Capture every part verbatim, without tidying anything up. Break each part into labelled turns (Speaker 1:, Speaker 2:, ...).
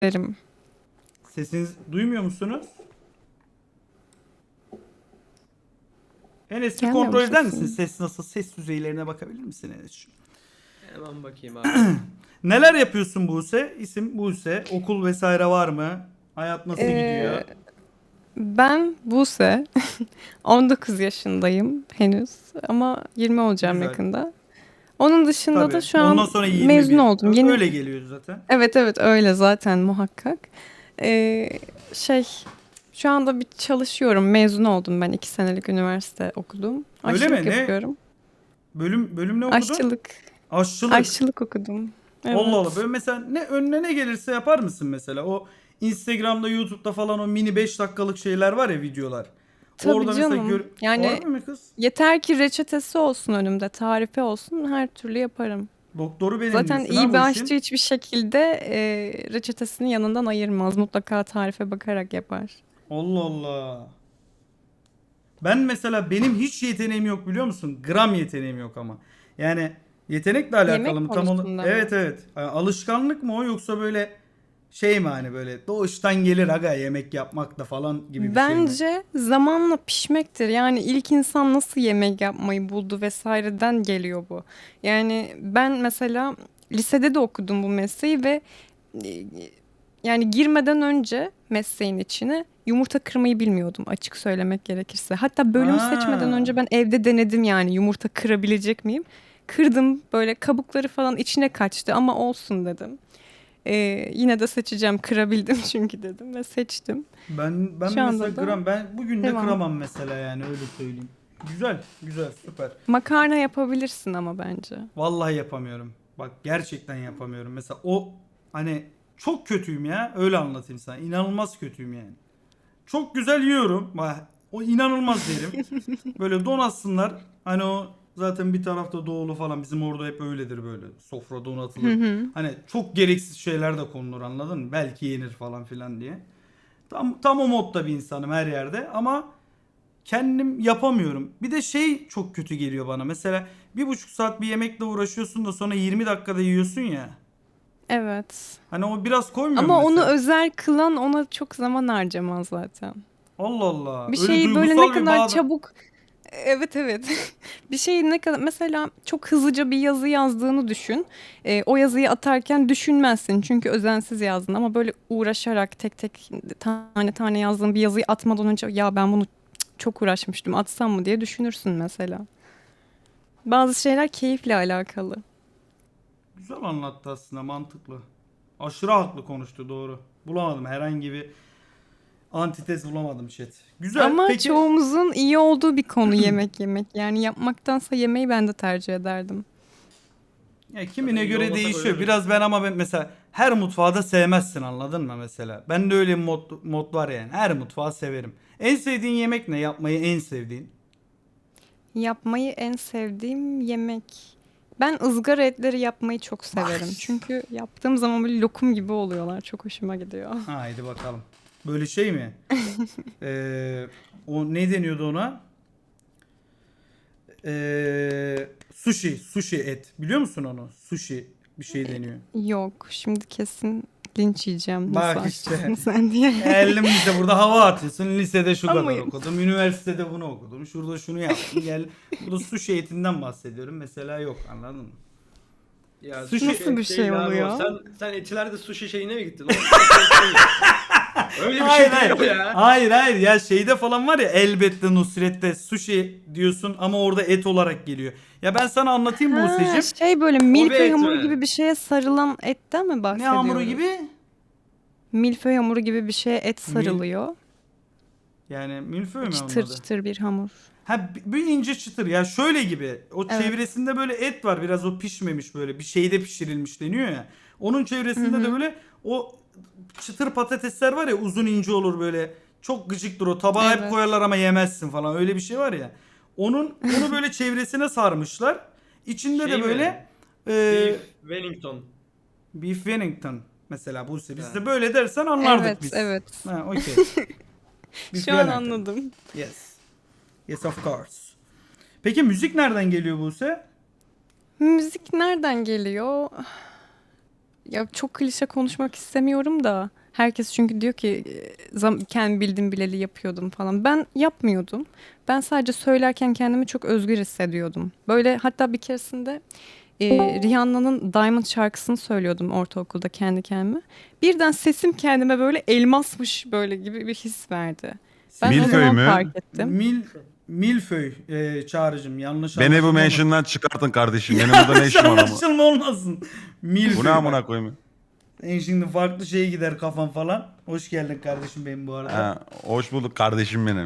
Speaker 1: Derim.
Speaker 2: Sesinizi duymuyor musunuz? Enes bir
Speaker 1: Gelmiyor mu
Speaker 2: kontrol eder misin?
Speaker 1: sesim?
Speaker 2: Ses nasıl? Ses düzeylerine bakabilir misin Enes'ciğim?
Speaker 3: Hemen bakayım abi.
Speaker 2: Neler yapıyorsun Buse? İsim Buse. Okul vesaire var mı? Hayat nasıl gidiyor?
Speaker 1: Ee, Ben Buse. on dokuz yaşındayım henüz ama yirmi olacağım
Speaker 2: Güzel.
Speaker 1: yakında. Onun dışında da
Speaker 2: Tabii.
Speaker 1: şu
Speaker 2: Ondan
Speaker 1: an
Speaker 2: sonra
Speaker 1: mezun
Speaker 2: yirmi bir.
Speaker 1: oldum.
Speaker 2: Ö-
Speaker 1: Yeni.
Speaker 2: Öyle geliyor zaten.
Speaker 1: Evet evet öyle zaten muhakkak. Ee, şey şu anda bir çalışıyorum. Mezun oldum ben. iki senelik üniversite okudum.
Speaker 2: Öyle
Speaker 1: Aşçılık
Speaker 2: mi? Ne?
Speaker 1: yapıyorum.
Speaker 2: Bölüm bölüm ne okudun?
Speaker 1: Aşçılık.
Speaker 2: Aşçılık.
Speaker 1: Aşçılık okudum.
Speaker 2: Allah Allah.
Speaker 1: Evet.
Speaker 2: Böyle mesela ne önüne ne gelirse yapar mısın mesela? O Instagram'da, YouTube'da falan o mini beş dakikalık şeyler var ya, videolar.
Speaker 1: Tabii
Speaker 2: Orada mesela gör...
Speaker 1: canım. Yani
Speaker 2: Harbi mi kız?
Speaker 1: yeter ki reçetesi olsun önümde, tarifi olsun her türlü yaparım.
Speaker 2: Doktoru benim
Speaker 1: Zaten
Speaker 2: diyorsun ha
Speaker 1: iyi bir
Speaker 2: bu
Speaker 1: aşçı
Speaker 2: işin.
Speaker 1: hiçbir şekilde e, reçetesini yanından ayırmaz. Mutlaka tarife bakarak yapar.
Speaker 2: Allah Allah. Ben mesela benim hiç yeteneğim yok biliyor musun? Gram yeteneğim yok ama. Yani yetenekle alakalı
Speaker 1: Yemek
Speaker 2: mı tam onu?
Speaker 1: konusunda
Speaker 2: Evet
Speaker 1: mı?
Speaker 2: evet. Yani alışkanlık mı o, yoksa böyle şey mi, hani böyle doğuştan gelir aga yemek yapmak da falan gibi bir şey mi?
Speaker 1: Bence zamanla pişmektir. Yani ilk insan nasıl yemek yapmayı buldu vesaireden geliyor bu. Yani ben mesela lisede de okudum bu mesleği ve e, yani girmeden önce mesleğin içine yumurta kırmayı bilmiyordum açık söylemek gerekirse. Hatta bölüm seçmeden
Speaker 2: Ha.
Speaker 1: önce ben evde denedim yani yumurta kırabilecek miyim? Kırdım böyle kabukları falan içine kaçtı ama olsun dedim. Ee, yine de seçeceğim kırabildim çünkü dedim ve seçtim.
Speaker 2: Ben ben
Speaker 1: Şu
Speaker 2: mesela
Speaker 1: anda da
Speaker 2: gram ben bugün de
Speaker 1: devam.
Speaker 2: kıramam mesela, yani öyle söyleyeyim. Güzel, güzel, süper.
Speaker 1: Makarna yapabilirsin ama bence.
Speaker 2: Vallahi yapamıyorum. Bak gerçekten yapamıyorum. Mesela o, hani çok kötüyüm ya. Öyle anlatayım sana. İnanılmaz kötüyüm yani. Çok güzel yiyorum. Bak o inanılmaz derim. Böyle donatsınlar. Hani o zaten bir tarafta doğulu falan. Bizim orada hep öyledir böyle. Sofra
Speaker 1: Hı
Speaker 2: donatılır.
Speaker 1: hı.
Speaker 2: Hani çok gereksiz şeyler de konulur, anladın mı? Belki yenir falan filan diye. Tam tam o modda bir insanım her yerde ama kendim yapamıyorum. Bir de şey çok kötü geliyor bana. Mesela bir buçuk saat bir yemekle uğraşıyorsun da sonra yirmi dakikada yiyorsun ya.
Speaker 1: Evet.
Speaker 2: Hani o biraz koymuyor mu
Speaker 1: Ama onu
Speaker 2: mesela?
Speaker 1: özel kılan ona çok zaman harcamaz zaten.
Speaker 2: Allah Allah.
Speaker 1: Bir
Speaker 2: Öyle
Speaker 1: şeyi böyle ne
Speaker 2: duygusal bir
Speaker 1: kadar
Speaker 2: bağda.
Speaker 1: çabuk. Evet evet. Bir şeyi ne kadar mesela çok hızlıca bir yazı yazdığını düşün. Ee, o yazıyı atarken düşünmezsin çünkü özensiz yazdın ama böyle uğraşarak tek tek tane tane yazdığın bir yazıyı atmadan önce ya ben bunu çok uğraşmıştım atsam mı diye düşünürsün mesela. Bazı şeyler keyifle alakalı.
Speaker 2: Güzel anlattı aslında, mantıklı. Aşırı haklı konuştu, doğru. Bulamadım herhangi bir antitez, bulamadım chat. Güzel.
Speaker 1: Ama
Speaker 2: Peki
Speaker 1: çoğumuzun iyi olduğu bir konu yemek yemek. Yani yapmaktansa yemeği ben de tercih ederdim.
Speaker 2: ya
Speaker 3: Zaten
Speaker 2: kimine
Speaker 3: iyi
Speaker 2: göre
Speaker 3: olmasak
Speaker 2: değişiyor.
Speaker 3: ölürüz.
Speaker 2: Biraz ben ama ben mesela her mutfağı da sevmezsin, anladın mı mesela? Ben de öyle bir mod, mod var yani. Her mutfağı severim. En sevdiğin yemek ne? Yapmayı en sevdiğin?
Speaker 1: Yapmayı en sevdiğim yemek. Ben ızgara etleri yapmayı çok
Speaker 2: Bak
Speaker 1: severim.
Speaker 2: işte.
Speaker 1: Çünkü yaptığım zaman böyle lokum gibi oluyorlar. Çok hoşuma gidiyor.
Speaker 2: Haydi bakalım. Böyle şey mi? Ee, o ne deniyordu ona? Ee, sushi. Sushi et. Biliyor musun onu? Sushi bir şey deniyor.
Speaker 1: Yok, şimdi kesin linç yiyeceğim. Nasıl
Speaker 2: Bak
Speaker 1: aşçısın
Speaker 2: işte.
Speaker 1: sen diye.
Speaker 2: Geldim lise, burada hava atıyorsun. Lisede şu
Speaker 1: Ama
Speaker 2: kadar okudum. Üniversitede bunu okudum. Şurada şunu yaptım. Gel. Burada sushi etinden bahsediyorum. Mesela yok, anladın mı?
Speaker 3: Ya
Speaker 2: Sushi.
Speaker 3: sushi
Speaker 1: nasıl bir
Speaker 3: et
Speaker 1: şey
Speaker 3: değil abi o.
Speaker 1: oluyor?
Speaker 3: Sen sen etilerde sushi şeyine mi gittin? O sushi et değil. Öyle bir
Speaker 2: Hayır
Speaker 3: şey değil
Speaker 2: hayır.
Speaker 3: o ya.
Speaker 2: Hayır hayır ya, şeyde falan var ya, elbette Nusret'te sushi diyorsun ama orada et olarak geliyor. Ya ben sana anlatayım
Speaker 1: Ha,
Speaker 2: Buse'cim.
Speaker 1: şey böyle
Speaker 3: O bir
Speaker 1: milföy
Speaker 3: et
Speaker 1: hamuru
Speaker 3: mi?
Speaker 1: gibi bir şeye sarılan etten mi
Speaker 2: Ne hamuru
Speaker 1: bahsediyoruz?
Speaker 2: gibi?
Speaker 1: Milföy hamuru gibi bir şeye et
Speaker 2: Mil
Speaker 1: sarılıyor.
Speaker 2: yani milföy mü onun
Speaker 1: Çıtır
Speaker 2: adı?
Speaker 1: çıtır bir hamur.
Speaker 2: Ha b- bir ince çıtır ya, şöyle gibi. O
Speaker 1: Evet.
Speaker 2: çevresinde böyle et var, biraz o pişmemiş, böyle bir şeyde pişirilmiş deniyor ya. Onun
Speaker 1: Hı
Speaker 2: çevresinde de
Speaker 1: hı.
Speaker 2: böyle o çıtır patatesler var ya, uzun ince olur böyle. Çok gıcıktır o. Tabağa hep
Speaker 1: Evet.
Speaker 2: koyarlar ama yemezsin falan. Öyle bir şey var ya. Onun onu böyle çevresine sarmışlar. İçinde de
Speaker 3: Şey mi?
Speaker 2: böyle e,
Speaker 3: Beef Wellington.
Speaker 2: beef Wellington mesela, bu
Speaker 3: Ha.
Speaker 2: bizde böyle dersen anlardık
Speaker 1: Evet,
Speaker 2: biz.
Speaker 1: evet.
Speaker 2: Ha, okey. Beef
Speaker 1: Şu an
Speaker 2: Wellington.
Speaker 1: anladım.
Speaker 2: Yes. Yes of course. Peki müzik nereden geliyor Buse?
Speaker 1: Müzik nereden geliyor? Ya çok klişe konuşmak istemiyorum da herkes çünkü diyor ki e, zam kendi bildim bileli yapıyordum falan. Ben yapmıyordum. Ben sadece söylerken kendimi çok özgür hissediyordum. Böyle hatta bir keresinde e, Rihanna'nın Diamond şarkısını söylüyordum ortaokulda kendi kendime. Birden sesim kendime böyle elmasmış böyle gibi bir his verdi. Ben o
Speaker 4: Milföy
Speaker 1: zaman
Speaker 4: mü?
Speaker 1: fark ettim.
Speaker 2: Mil Milföy e, Çağrı'cığım yanlış
Speaker 4: Beni bu
Speaker 2: anlaşılma olmasın.
Speaker 4: mention'dan çıkartın kardeşim. Benim burada ne işim var ama.
Speaker 2: Anlaşılma olmasın. Milföy.
Speaker 4: Bu ne amına koyayım?
Speaker 2: En şimdi farklı şeye gider kafam falan. Hoş geldin kardeşim benim bu arada.
Speaker 4: Ha, hoş bulduk kardeşim benim.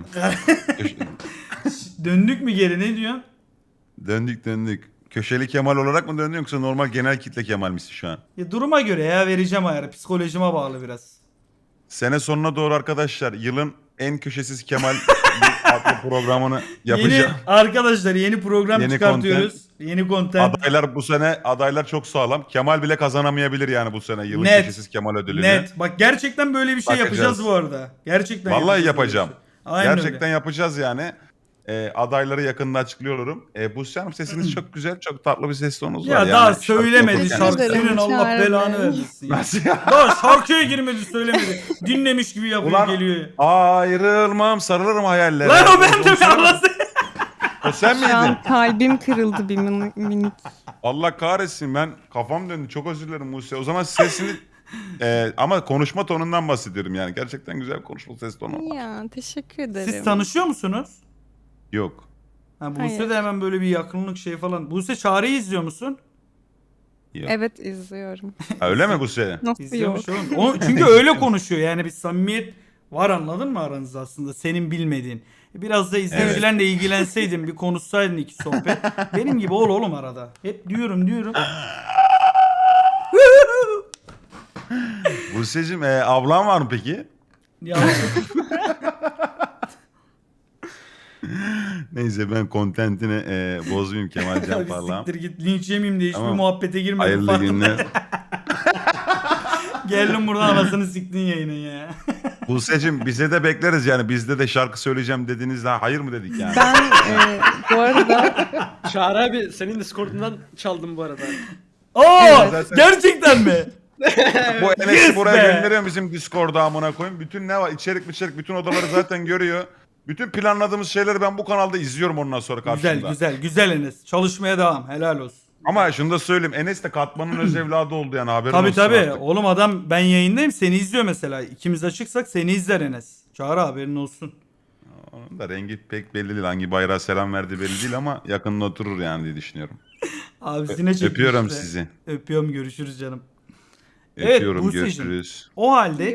Speaker 2: Döndük mü geri ne diyorsun?
Speaker 4: Döndük döndük. Köşeli Kemal olarak mı döndün yoksa normal genel kitle Kemal misin şu an?
Speaker 2: Ya duruma göre ya vereceğim ayarı. Psikolojime bağlı biraz.
Speaker 4: Sene sonuna doğru arkadaşlar yılın en köşesiz Kemal adlı programını yapacağım.
Speaker 2: Yeni arkadaşlar yeni program
Speaker 4: Yeni
Speaker 2: çıkartıyoruz. Yeni content.
Speaker 4: Adaylar bu sene adaylar çok sağlam. Kemal bile kazanamayabilir yani bu sene yılın
Speaker 2: Net.
Speaker 4: köşesiz Kemal ödülünü.
Speaker 2: Net. Bak gerçekten böyle bir şey
Speaker 4: Bakacağız.
Speaker 2: yapacağız bu arada. Gerçekten
Speaker 4: Vallahi
Speaker 2: yapacağız böyle
Speaker 4: yapacağım.
Speaker 2: bir şey. Aynen
Speaker 4: Gerçekten
Speaker 2: öyle.
Speaker 4: yapacağız yani. Ee, adayları yakında açıklıyorum. Ee, Buse Hanım sesiniz çok güzel. Çok tatlı bir ses tonunuz var.
Speaker 2: Ya
Speaker 4: yani.
Speaker 2: daha
Speaker 4: Şarkı
Speaker 2: söylemedi
Speaker 4: okurken-
Speaker 2: şarkı.
Speaker 1: Teşekkür ederim,
Speaker 2: Senin Allah
Speaker 1: Çağrı
Speaker 2: belanı
Speaker 1: Bey.
Speaker 2: vermesin ya.
Speaker 4: Nasıl ya?
Speaker 2: Daha şarkıya girmedi söylemedi. Dinlemiş gibi yapıyor
Speaker 4: Ulan
Speaker 2: geliyor.
Speaker 4: ayrılmam sarılırım hayallere.
Speaker 2: Lan o ben de mi anlasın?
Speaker 4: O sen
Speaker 1: Şu
Speaker 4: miydin?
Speaker 1: an kalbim kırıldı bir min- minik.
Speaker 4: Allah kahretsin ben kafam döndü. Çok özür dilerim Buse. O zaman sesini e, ama konuşma tonundan bahsediyorum yani. Gerçekten güzel konuşma ses tonu.
Speaker 1: Ya teşekkür ederim.
Speaker 2: Siz tanışıyor musunuz?
Speaker 4: Yok.
Speaker 2: Ha, Buse
Speaker 1: Hayır.
Speaker 2: de hemen böyle bir yakınlık şey falan. Buse Çağrı'yı izliyor musun?
Speaker 4: Yok.
Speaker 1: Evet izliyorum.
Speaker 4: Ha, öyle mi Buse?
Speaker 1: Nasıl yok?
Speaker 2: İzliyormuş oğlum. O, çünkü öyle konuşuyor yani bir samimiyet var anladın mı aranızda aslında senin bilmediğin. Biraz da izleyicilerle ilgilenseydin bir konuşsaydın iki sohbet. Benim gibi ol oğlum arada. Hep diyorum diyorum.
Speaker 4: Buse'cim e, ablan var mı peki?
Speaker 2: Ya
Speaker 4: Neyse ben kontentini e, bozmayayım Kemalcan
Speaker 2: bir
Speaker 4: Parlağım.
Speaker 2: siktir git linç yemeyeyim diye hiçbir
Speaker 4: Tamam.
Speaker 2: muhabbete girmedim.
Speaker 4: Hayırlı
Speaker 2: Farkında-
Speaker 4: günler.
Speaker 2: Geldim buradan anasını siktin yayının ya.
Speaker 4: Buse'cim bize de bekleriz yani. Bizde de şarkı söyleyeceğim dediğinizde hayır mı dedik yani.
Speaker 1: Ben e, bu arada
Speaker 3: Çağrı abi senin Discord'undan çaldım bu arada.
Speaker 2: Aa
Speaker 4: Evet.
Speaker 2: gerçekten mi?
Speaker 4: Bu Enes'i
Speaker 2: Yes
Speaker 4: buraya
Speaker 2: be!
Speaker 4: gönderiyorum bizim Discord'a amına koyayım. Bütün ne var içerik içerik bütün odaları zaten görüyor. Bütün planladığımız şeyleri ben bu kanalda izliyorum ondan sonra karşımda.
Speaker 2: Güzel güzel güzel Enes. Çalışmaya devam. Helal olsun.
Speaker 4: Ama şunu da söyleyeyim. Enes de Katman'ın öz evladı oldu yani haberin
Speaker 2: Tabii
Speaker 4: olsun
Speaker 2: tabii.
Speaker 4: artık.
Speaker 2: Oğlum adam ben yayındayım seni izliyor mesela. İkimiz açıksak seni izler Enes. Çağrı haberin olsun.
Speaker 4: Onun da rengi pek belli değil. Hangi bayrağa selam verdi belli değil ama yakında oturur yani diye düşünüyorum.
Speaker 2: Abisine çekmiş
Speaker 4: Öpüyorum
Speaker 2: işte.
Speaker 4: sizi.
Speaker 2: Öpüyorum görüşürüz canım. Evet,
Speaker 4: Öpüyorum
Speaker 2: Buse'cim.
Speaker 4: görüşürüz.
Speaker 2: O halde